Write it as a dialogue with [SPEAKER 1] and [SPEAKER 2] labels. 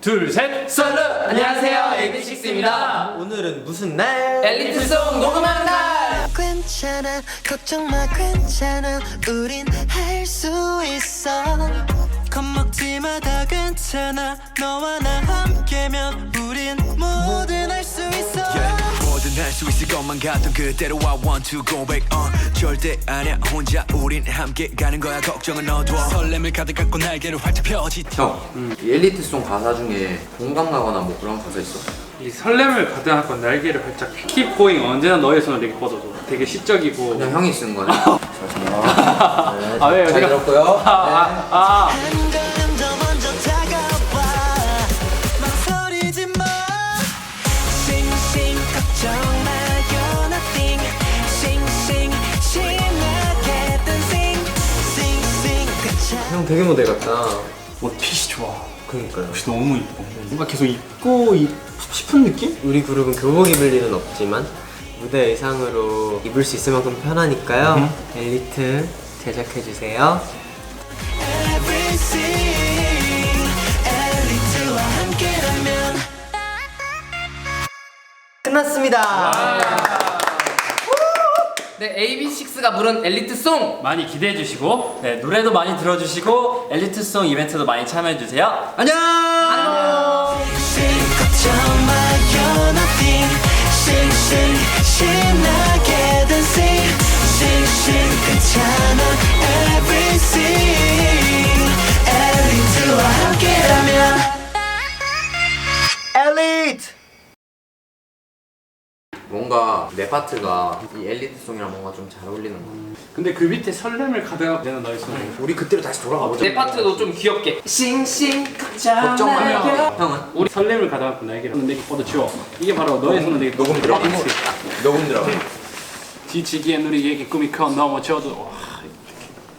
[SPEAKER 1] 둘, 셋!
[SPEAKER 2] 썰루! 안녕하세요, AB6IX입니다.
[SPEAKER 3] 오늘은 무슨 날?
[SPEAKER 2] 엘리트송 녹음하는 날!
[SPEAKER 4] 괜찮아 걱정 마 괜찮아 우린 할 수 있어 겁먹지 마 다 괜찮아 너와 나 함께면 우린 뭐든 할 수 있어
[SPEAKER 5] 뭐든 할 수 있을 것만 같던 그대로 I want to go back 절대 아니야 혼자 우린 함께 가는 거야 걱정은 넣어둬 설렘을 가득 안고 날개를 활짝 펴지
[SPEAKER 3] 형, 이 엘리트송 가사 중에 공감 가거나 뭐 그런 가사 있어?
[SPEAKER 1] 이 설렘을 가득한 날개를 활짝 Keep going 언제나 너의 손을 내게 뻗어줘. 되게 시적이고.
[SPEAKER 3] 그냥 형이 쓴 거네? 네,
[SPEAKER 1] 아, 왜요?
[SPEAKER 3] 잘
[SPEAKER 1] 제가-
[SPEAKER 3] 들었고요.
[SPEAKER 4] 한 걸음 더 먼저 다가와 망설이지 마 싱싱 걱정 마요 nothing 싱싱 신나게 dancing 싱싱 괜찮아
[SPEAKER 3] 형 되게 모델 같다.
[SPEAKER 1] 핏이 좋아.
[SPEAKER 3] 그러니까요.
[SPEAKER 1] 핏이 너무 이뻐. 뭔가 계속 입고 싶은 느낌?
[SPEAKER 6] 우리 그룹은 교복 입을 일은 없지만 무대 의상으로 입을 수 있을 만큼 편하니까요. 엘리트 제작해주세요.
[SPEAKER 4] everything 엘리트와 함께라면
[SPEAKER 6] 끝났습니다.
[SPEAKER 2] 네, AB6IX가 부른 엘리트송!
[SPEAKER 1] 많이 기대해 주시고, 네, 노래도 많이 들어주시고, 엘리트송 이벤트도 많이 참여해 주세요.
[SPEAKER 3] 안녕!
[SPEAKER 4] 싱싱 걱정 마요 nothing 싱싱 신나게 dancing 싱싱 괜찮아 everything 엘리트와 함께라면
[SPEAKER 6] 엘리트!
[SPEAKER 3] 뭔가 내 파트가 이 엘리트송이랑 뭔가 좀 잘 어울리는 거.
[SPEAKER 1] 근데 그 밑에 설렘을 가득하고 내는 너의 손을.
[SPEAKER 3] 우리 그때로 다시 돌아가 보자.
[SPEAKER 2] 내 파트도 좀 귀엽게 싱싱
[SPEAKER 3] 걱정 마요. 형은?
[SPEAKER 1] 우리 설렘을 가득한 날개를 내게 뻗어줘. 이게 바로 너의 손을 내게
[SPEAKER 3] 녹음 들어가? 녹음 들어가.
[SPEAKER 1] 지치기엔 우리에게 꿈이 커 넘어져도.